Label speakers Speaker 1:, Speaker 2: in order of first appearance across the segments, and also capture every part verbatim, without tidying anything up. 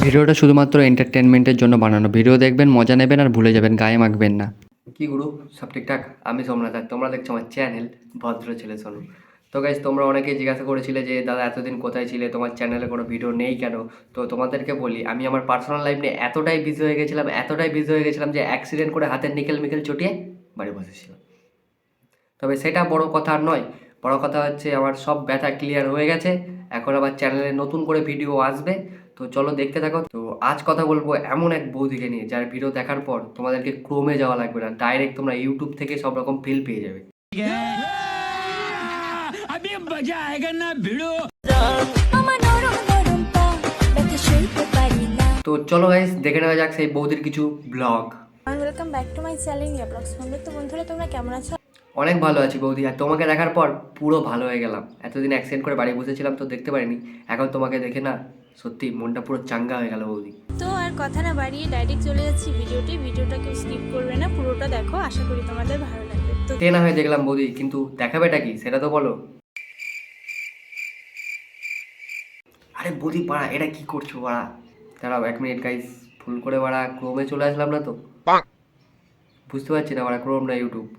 Speaker 1: ভিডিওটা শুধুমাত্র এন্টারটেনমেন্টের জন্য বানানো। ভিডিও দেখবেন, মজা নেবেন আর ভুলে যাবেন, গায়ে মাখবেন না। কি গুরু, সব ঠিকঠাক? আমি সোমনাথ আর তোমরা দেখছো আমার চ্যানেল ভদ্র ছেলে সোনু। তো গাইজ, তোমরা অনেকেই জিজ্ঞাসা করেছিলে যে দাদা এতদিন কোথায় ছিলে, তোমার চ্যানেলে কোনো ভিডিও নেই কেন? তো তোমাদেরকে বলি, আমি আমার পার্সোনাল লাইফ নিয়ে এতটাই বিজি হয়ে গেছিলাম এতটাই বিজি হয়ে গেছিলাম যে অ্যাক্সিডেন্ট করে হাতের নিকেল মিকেল চটিয়ে বাড়ি বসেছিলাম। তবে সেটা বড় কথা আর নয়, বড় কথা হচ্ছে আমার সব ব্যথা ক্লিয়ার হয়ে গেছে। এখন আবার চ্যানেলে নতুন করে ভিডিও আসবে, তো চলো দেখতে থাকো। তো আজ কথা বলবো এমন এক বৌদিকে নিয়ে যার ভিডিও দেখার পর তোমাদেরকে ক্রোমে যাওয়া লাগবে না, ডাইরেক্ট তোমরা ইউটিউব থেকে সব রকম ফিল পেয়ে যাবে। তো চলো গাইস, দেখে নেওয়া যাক সেই বৌদির কিছু blog.
Speaker 2: Welcome back to my channel ইয়া ব্লগস। তো বন্ধুরা, তোমরা কেমন আছো?
Speaker 1: অনেক ভালো আছি বৌদি, আর তোমাকে দেখার পর পুরো ভালো হয়ে গেলাম। এতদিন অ্যাক্সিডেন্ট করে বাড়ি বসেছিলাম তো দেখতে পারিনি, এখন তোমাকে দেখে না সত্যি মনটা পুরো চাঙ্গা হয়ে গেল বৌদি।
Speaker 2: তো আর কথা না বাড়িয়ে ডাইরেক্ট চলে যাচ্ছি ভিডিওটি। ভিডিওটা কেউ স্কিপ করবে না, পুরোটা দেখো, আশা করি তোমাদের ভালো লাগবে। তো
Speaker 1: তে না হয়ে দেখলাম বৌদি, কিন্তু দেখাবেটা কি সেটা তো বলো। আরে বৌদি পাড়া, এটা কি করছো পাড়া? দাঁড়াও এক মিনিট গাইস, ভুল করে বাড়া ক্রোমে চলে আসলাম না তো, বুঝতে পারছি না বাড়া ক্রোম না ইউটিউব।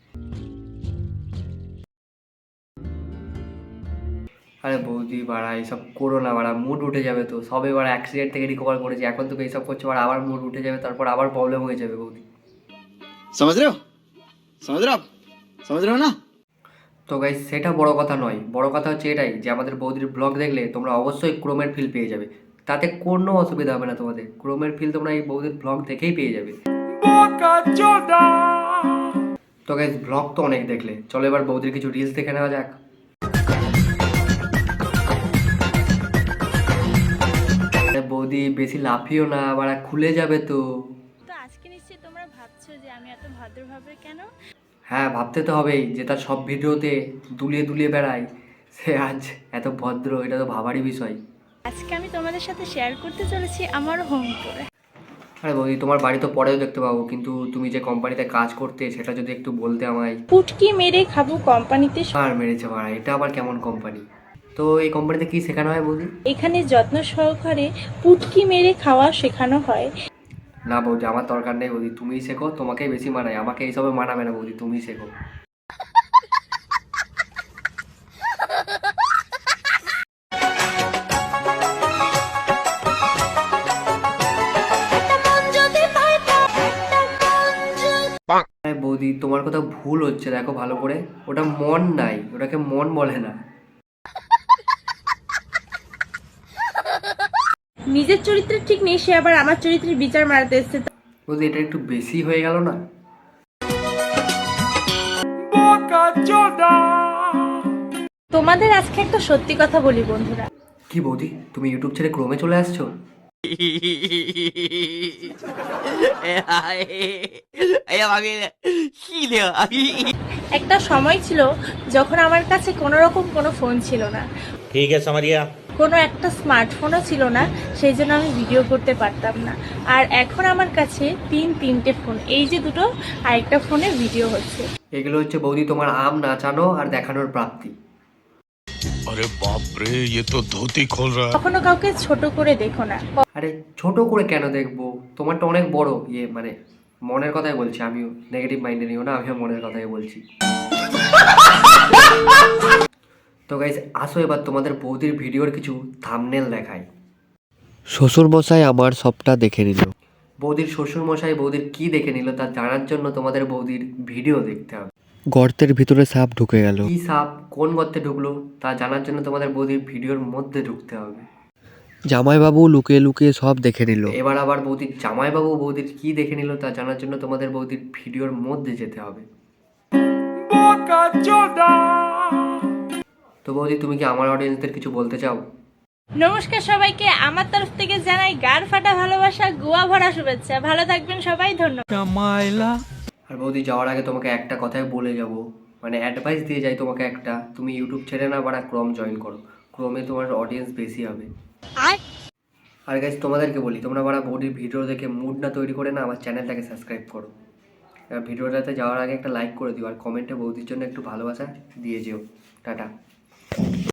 Speaker 1: আরে বৌদি বাড়া এইসব করো না বাড়া, মুড উঠে যাবে তো। সবে বাড়া অ্যাক্সিডেন্ট থেকে রিকভার করেছি, এখন তো এইসব করছো বাড়া, আবার মুড উঠে যাবে, তারপর আবার প্রবলেম হয়ে যাবে বৌদি।
Speaker 3: समझ रहे हो समझ रहे हो आप समझ रहे हो ना।
Speaker 1: তো গাইস, সেটা বড় কথা নয়, বড় কথা হচ্ছে এটাই যে আমাদের বৌদির ব্লগ দেখলে তোমরা অবশ্যই ক্রোমের ফিল পেয়ে যাবে। তাতে কোনো অসুবিধা হবে না তোমাদের, ক্রোমের ফিল তোমরা এই বৌদির ব্লগ দেখেই পেয়ে যাবে। তো গাইস, ব্লগ তো অনেক দেখলে, চলো এবার বৌদির কিছু রিলস দেখে নেওয়া যাক। বৌদি বেশি লাফিও না, আবার খুলে যাবে তো।
Speaker 2: তো আজকে নিশ্চয়ই তোমরা ভাবছো যে আমি এত ভদ্রভাবে কেন?
Speaker 1: হ্যাঁ, ভাবতে তো হবেই, যে তার সব ভিডিওতে দুলিয়ে দুলিয়ে বেড়ায়, সে আজ এত ভদ্র, এটা তো ভাবারই বিষয়।
Speaker 2: আজকে আমি তোমাদের সাথে শেয়ার করতে চলেছি আমার হোম ট্যুর।
Speaker 1: আরে বৌদি, তোমার বাড়ি তো পরেও দেখতে পাবো, কিন্তু তুমি যে কোম্পানিতে কাজ করতে সেটা যদি একটু বলতে আমায়।
Speaker 2: পুটকি মেরে খাবো কোম্পানিতে।
Speaker 1: আর মেরেছে ভাড়া, এটা আবার কেমন কোম্পানি? তো এই কোম্পানিতে কি শেখানো হয় বৌদি?
Speaker 2: এখানে যত্ন সহকারে পুটকি মেরে খাওয়া শেখানো হয়।
Speaker 1: না বৌদি, আমার দরকার নেই বৌদি, তুমিই শেখো, তোমাকেই বেশি মানায়, আমাকে এইসবে মানাবে না বৌদি, তুমিই শেখো। আরে বৌদি, তোমার কথা ভুল হচ্ছে, দেখো ভালো করে, ওটা মন নাই, ওটাকে মন বলে না।
Speaker 2: নিজের চরিত্রে ঠিক নেই, সে আবার আমার চরিত্রের বিচার মারাতে এসেছে।
Speaker 1: বৌদি, এটা একটু বেশি হয়ে গেল না?
Speaker 2: তোমাদের আজকে একটা সত্যি কথা বলি বন্ধুরা।
Speaker 1: কি বৌদি, তুমি ইউটিউব ছেড়ে ক্রোমে চলে আসছো?
Speaker 2: একটা সময় ছিল যখন আমার কাছে কোনো রকম কোনো ফোন ছিল না,
Speaker 4: ठीक है समरिया।
Speaker 2: কোনো একটা স্মার্টফোনও ছিল না, সেই জন্য আমি ভিডিও করতে পারতাম না। আর এখন আমার কাছে তিন তিনটে ফোন, এই যে দুটো, আরেকটা ফোনে ভিডিও হচ্ছে।
Speaker 1: এগুলো হচ্ছে বৌদি তোমার আম নাচানো আর দেখানোর প্রাপ্তি।
Speaker 5: अरे बाप रे, ये तो धोती खोल रहा है।
Speaker 2: কখনো কাউকে ছোট করে দেখো না।
Speaker 1: আরে ছোট করে কেন দেখবো, তোমারটা অনেক বড়, ইয়ে মানে মনের কথাই বলছি, আমিও নেগেটিভ মাইন্ডে নিও না, আমিও মনের কথাই বলছি। তো গাইস, আসো এবার তোমাদের বৌদির ভিডিওর কিছু থাম্বনেল দেখাই। শ্বশুর মশাই আমার সবটা দেখে নিল। বৌদির শ্বশুর মশাই বৌদির কি দেখে নিল তা জানার জন্য তোমাদের বৌদির ভিডিও দেখতে হবে। গর্তের ভিতরে সাপ ঢুকে গেল। কি সাপ, কোন গর্তে ঢুকলো তা জানার জন্য তোমাদের বৌদির ভিডিওর মধ্যে ঢুকতে হবে। জামাইবাবু লুকিয়ে লুকিয়ে সব দেখে নিল। এবার আবার বৌদির জামাইবাবু বৌদির কি দেখে নিল তা জানার জন্য তোমাদের বৌদির ভিডিওর মধ্যে যেতে হবে। তো বৌদি, তুমি কি আমার অডিয়েন্সদের কিছু বলতে চাও?
Speaker 2: নমস্কার সবাইকে, আমার তরফ থেকে জানাই গাড় ফাটা ভালোবাসা, গোয়া ভরা শুভেচ্ছা। ভালো থাকবেন সবাই, ধন্যবাদ।
Speaker 1: আর বৌদি, যাওয়ার আগে তোমাকে একটা কথাই বলে যাব, মানে অ্যাডভাইস দিয়ে যাই তোমাকে একটা, তুমি ইউটিউব ছেড়ে না বাড়া ক্রোম জয়েন করো, ক্রোমে তোমার অডিয়েন্স বেশি হবে। আর গাইস, তোমাদেরকে বলি, তোমরা বাড়া বৌদির ভিডিও দেখে মুড না তৈরি করে না আমার চ্যানেলটাকে সাবস্ক্রাইব করো। এবার ভিডিওটাতে যাওয়ার আগে একটা লাইক করে দিও, আর কমেন্টে বৌদির জন্য একটু ভালোবাসা দিয়ে যেও। টাটা।